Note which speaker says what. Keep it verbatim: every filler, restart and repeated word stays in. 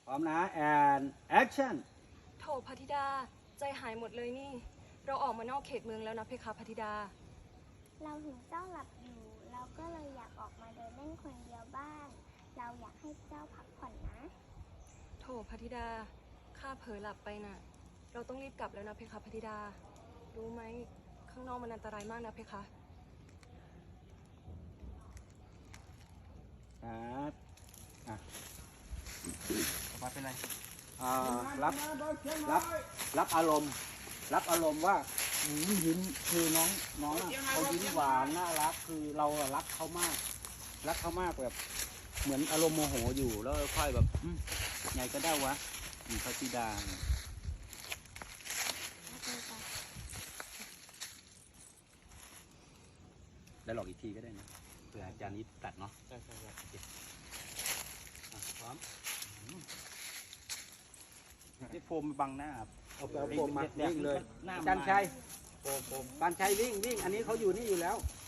Speaker 1: ร้อมนะ and action
Speaker 2: โถพระธิดาใจหายหมดเลยนี่ เราออกมานอกเขตเมืองแล้วนะเพคะพระธิดา
Speaker 3: เราเห็นเจ้าหลับอยู่ เราก็เลยอยากออกมาเดินเล่นคนเดียวบ้าง เราอยากให้เจ้าพักผ่อนนะ
Speaker 2: โถพระธิดาข้าเผลอหลับไปน่ะ เราต้องรีบกลับแล้วนะเพคะพระธิดา รู้ไหมข้างนอกมันอันตรายมากนะเพคะ
Speaker 1: ครับอ่ะ
Speaker 4: มาเป็นไร
Speaker 1: อ่ารับรับรับอารมณ์ รับอารมณ์ว่าอืมยิ้มคือน้องน้องอะเขายิ้มหวานน่ารักคือเราอะรักเขามาก รักเขามากแบบ เหมือนอารมณ์โมโหอยู่แล้วค่อยแบบอืมไงก็ได้วะมีพระธิดาเนี่ยได้หลอกอีกทีก็ได้นะเผื่ออาจารย์นี้ตัดเนาะ
Speaker 4: ใช่ใช่ใช่
Speaker 1: อ่ะพร้อมนี่โฟมบังหน้าครับเอาไปเอาโฟมมาวิ่งเลย
Speaker 4: หน้า
Speaker 1: จันชัย
Speaker 4: โฟมโฟม
Speaker 1: จันชัยวิ่งวิ่งอันนี้เขาอยู่นี่อยู่แล้ว
Speaker 4: โ